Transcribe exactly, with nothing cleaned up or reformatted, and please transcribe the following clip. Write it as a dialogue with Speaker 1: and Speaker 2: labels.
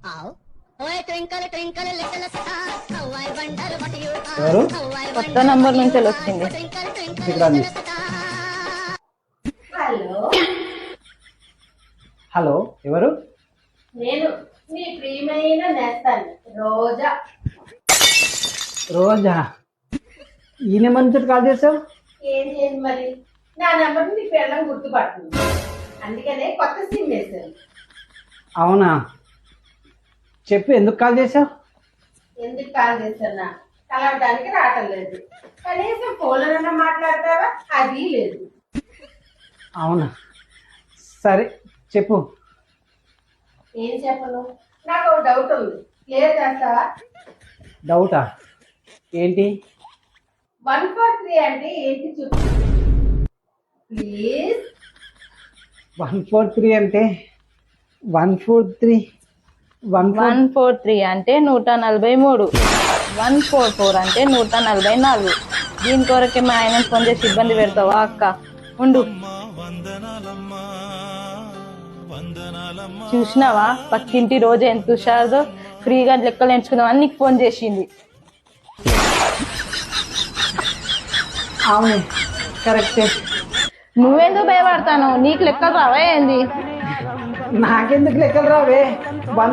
Speaker 1: ఎవరు?
Speaker 2: కొత్త నంబర్ నుంచి వచ్చింది.
Speaker 3: హలో
Speaker 1: హలో, ఎవరు?
Speaker 3: నేను మీ ప్రియమైన నేస్తాను రోజా.
Speaker 1: రోజా? ఈ నెంబర్ నుంచి కాల్ చేసావు?
Speaker 3: ఏం చేయండి మరి, నా నెంబర్ నీ పిల్లలు గుర్తుపడుతుంది, అందుకనే కొత్త సిమ్ వేశాను.
Speaker 1: అవునా, చెప్పు, ఎందుకు కాల్ చేసావు?
Speaker 3: ఎందుకు కాల్ చేశానా? కలవడానికి రావటం లేదు, కనీసం ఫోన్లోనన్నా మాట్లాడతావా? అది లేదు.
Speaker 1: అవునా, సరే చెప్పు.
Speaker 3: ఏం చెప్పను, నాకు ఒక డౌట్ ఉంది, క్లియర్ చేస్తావా?
Speaker 1: డౌటా? ఏంటి?
Speaker 3: వన్ ఫోర్ త్రీ అంటే ఏంటి చెప్పు ప్లీజ్.
Speaker 1: వన్ ఫోర్ త్రీ అంటే one four three one
Speaker 2: one four three అంటే నూట నలభై మూడు, వన్ ఫోర్ ఫోర్ అంటే నూట నలభై నాలుగు. దీని కొరకే మా ఆయన ఫోన్ చేసి ఇబ్బంది పెడతావా అక్క? ఉండు. చూసినావా పక్కింటి రోజు ఎంత హుషారుదో, ఫ్రీగా లెక్కలు ఎంచుకుందామని నీకు ఫోన్ చేసింది.
Speaker 1: అవును, కరెక్టే.
Speaker 2: నువ్వెందుకు భయపడతాను? నీకు లెక్కలు రావా ఏంది?
Speaker 1: నాకెందుకు లెక్కలు రావే? వన్